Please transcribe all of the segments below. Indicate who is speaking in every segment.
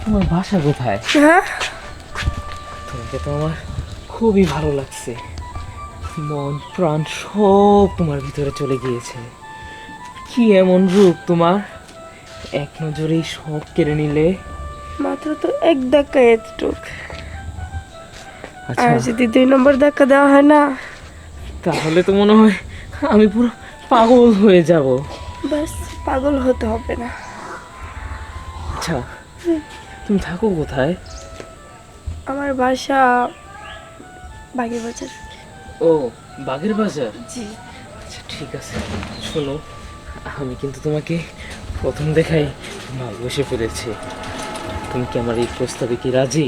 Speaker 1: তোমার বাসা কোথায়?
Speaker 2: হ্যাঁ,
Speaker 1: তোমাকে তো আমার খুবই ভালো লাগছে, মন প্রাণ সব তোমার ভিতরে চলে গিয়েছে। কি এমন রূপ তোমার, এক নজরেই সব কেড়ে নিলে।
Speaker 2: মাত্র তো এক ধাক্কা এতটুক,
Speaker 1: আচ্ছা,
Speaker 2: আর যদি 2 নম্বর ধাক্কা দেওয়া হয় না,
Speaker 1: তাহলে তো মনে হয় আমি পুরো পাগল হয়ে যাব।
Speaker 2: বাস পাগল হতে হবে না।
Speaker 1: আচ্ছা, তুমি থাকো কোথায়?
Speaker 2: আমার বাসা বাগের বাজার।
Speaker 1: ও, বাগের বাজার।
Speaker 2: জি।
Speaker 1: আচ্ছা ঠিক আছে, শোনো, আমি কিন্তু তোমাকে প্রথম দেখাই ভালোবেসে ফেলেছি। তুমি কি আমার এই প্রস্তাবে কি রাজি?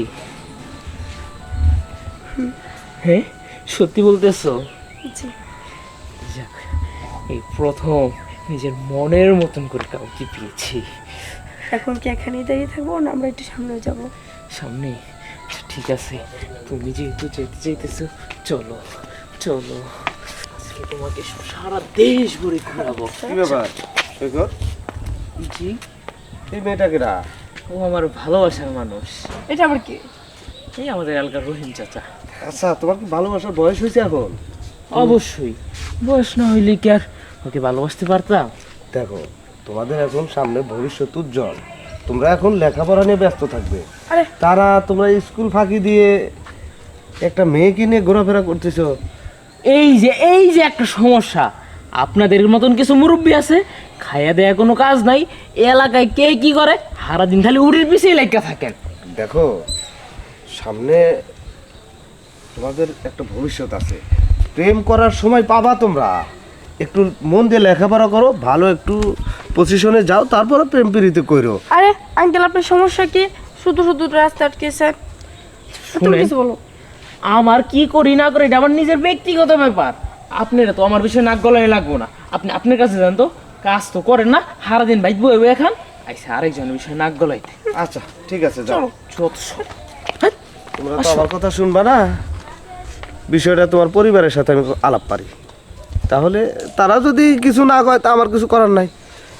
Speaker 1: হ্যাঁ, সত্যি বলতেছো?
Speaker 2: জি।
Speaker 1: যাক, এই প্রথম নিজের মনের মতন করে কাউকে পেয়েছি।
Speaker 2: এখন কি এখানেই দাঁড়িয়ে থাকবো না আমরা একটু সামনে যাব?
Speaker 1: সামনে? আচ্ছা, ঠিক আছে, তুমি যেহেতু যেতে চাইতেছো, চলো চলো, আজকে তোমাকে সারা দেশ ঘুরে ঘোরাবো।
Speaker 3: কি ব্যাপার সৈকত?
Speaker 1: জি,
Speaker 3: এই মেয়েটাকে না?
Speaker 1: ও আমার ভালোবাসার মানুষ।
Speaker 2: এটা আবার কি?
Speaker 1: এই আমাদের এলাকার রহিম চাচা।
Speaker 3: আচ্ছা, তোমার কি ভালোবাসার বয়স হয়েছে এখন?
Speaker 1: অবশ্যই, বয়স না হইলে কি আর ওকে ভালোবাসতে পারতাম?
Speaker 3: দেখো, তোমাদের এখন সামনে ভবিষ্যৎ উজ্জ্বল, তোমরা এখন লেখাপড়া নিয়ে ব্যস্ত থাকবে।
Speaker 2: আরে
Speaker 3: তারা তোমরা স্কুল ফাঁকি দিয়ে একটা মেয়েকে নিয়ে ঘোরাফেরা করতেছো।
Speaker 1: এই যে একটা সমস্যা, আপনাদের মতন কিছু মুরব্বী আছে, খাইয়া দেয়া কোনো কাজ নাই, এ এলাকায় কে কি করে সারাদিন খালি উড়ির পিছিয়ে লেখা থাকেন।
Speaker 3: দেখো, সামনে তোমাদের একটা ভবিষ্যৎ আছে, প্রেম করার সময় পাবা তোমরা। একটু মন দিয়ে লেখাপড়া করো, ভালো একটু পজিশনে যাও, তারপরে প্রেম প্রীতি করো।
Speaker 2: আরে আঙ্কেল, আপনার সমস্যা কি? শুধু শুধু রাস্তা আটকেছে। তুমি
Speaker 1: শুনেন,
Speaker 2: কিছু বলো।
Speaker 1: আমার কি করি না করি এটা আমার নিজের ব্যক্তিগত ব্যাপার, আপনারা তো আমার বিষয়ে নাক গলায় লাগবো না। আপনি আপনার কাছে যান তো, কাজ তো করেন না, সারাদিন বাইক বয়ে বয়ে খান, আইসা আরেকজনের বিষয়ে নাক গলাইতে।
Speaker 3: আচ্ছা ঠিক আছে, যাও।
Speaker 1: যত সব। হ্যাঁ,
Speaker 3: তোমরা তো আমার কথা শুনবা না, বিষয়টা তোমার পরিবারের সাথে আমি আলাপ পারি, তাহলে তারা যদি কিছু না কয় তা আমার কিছু করার নাই।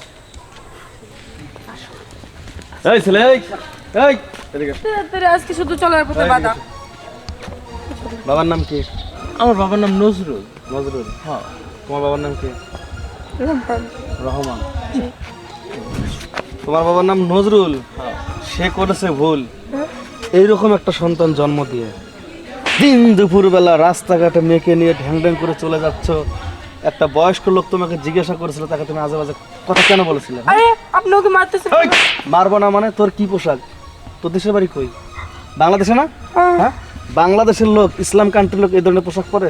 Speaker 3: এই ছেলে, এই এদিকে আস।
Speaker 2: তাড়াতাড়ি, আজকে শুধু চলার পথে বাধা।
Speaker 3: বাবার নাম কি?
Speaker 1: আমার বাবার নাম নজরুল।
Speaker 3: নজরুল? হ্যাঁ। তোমার বাবার নাম কি?
Speaker 2: রহমান।
Speaker 3: রহমান? তোমার বাবার নাম নজরুল? সে করেছে ভুল, এইরকম একটা সন্তান জন্ম দিয়ে দিন দুপুরবেলা রাস্তাঘাটে মেয়েকে নিয়ে ঢ্যাং ঢ্যাং করে চলে যাচ্ছ। একটা বয়স্ক লোক তোমাকে জিজ্ঞাসা করেছিল, তাকে তুমি আজে বাজে কথা কেন বলেছিলে?
Speaker 2: আরে আপনি ওকে মারতেছেন?
Speaker 3: এই, মারবো না মানে? তোর কি পোশাক? তোর দেশের বাড়ি কই? বাংলাদেশে না? হ্যাঁ, বাংলাদেশের লোক, ইসলাম কান্ট্রির লোক এই ধরনের পোশাক পরে?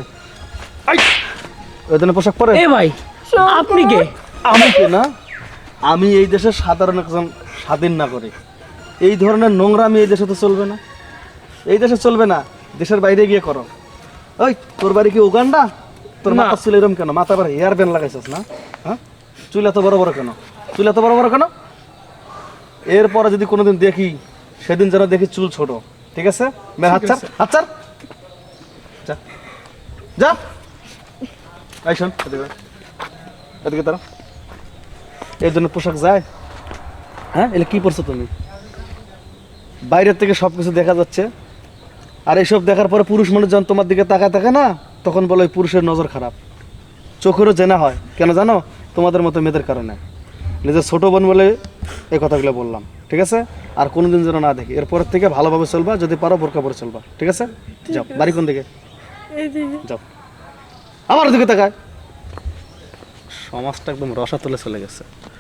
Speaker 3: ওই ধরনের পোশাক পরে?
Speaker 1: এ ভাই, আপনি কে?
Speaker 3: আমি কে না? আমি এই দেশের সাধারণ একজন স্বাধীন নাগরিক। এই ধরনের নোংরামি এই দেশে তো চলবে না, এই দেশে চলবে না, দেশের বাইরে গিয়ে করো। ওই, তোর বাড়ি কি উগান্ডা? তোর
Speaker 1: না।
Speaker 3: মাথা চুল এরকম কেন? মাথা পরে হেয়ার ব্যান্ড লাগাইছিস না? হ্যাঁ, চুল এত বড় বড় কেন? চুল এত বড় বড় কেন? এরপরে যদি কোনোদিন দেখি, সেদিন যেন দেখি চুল ছোট, ঠিক আছে? মেয়ের হাত ছাড়, হাত ছাড়, যা যা। এই শোন, এদিকে আয়। এদিকে তারা এই জন্য পোশাক যায়? হ্যাঁ, এলে কি পরছো তুমি? বাইরের থেকে সব কিছু দেখা যাচ্ছে, আর এইসব দেখার পরে পুরুষ মানুষ যখন তোমার দিকে তাকায় থাকে না, তখন বলে ওই পুরুষের নজর খারাপ। চোখেরও জেনা হয়, কেন জানো? তোমাদের মতো মেয়েদের কারণে। নিজের ছোট বোন বলে এই কথাগুলো বললাম, ঠিক আছে? আর কোনোদিন যেন না দেখি। এরপরের থেকে ভালোভাবে চলবা, যদি পারো বোরকা পরে চলবা, ঠিক আছে? যাও। বাড়ি কোন দিকে?
Speaker 2: এইদিকে।
Speaker 3: যাও। আমার দিকে তাকায়। সমাজটা একদম রসাতলে চলে গেছে।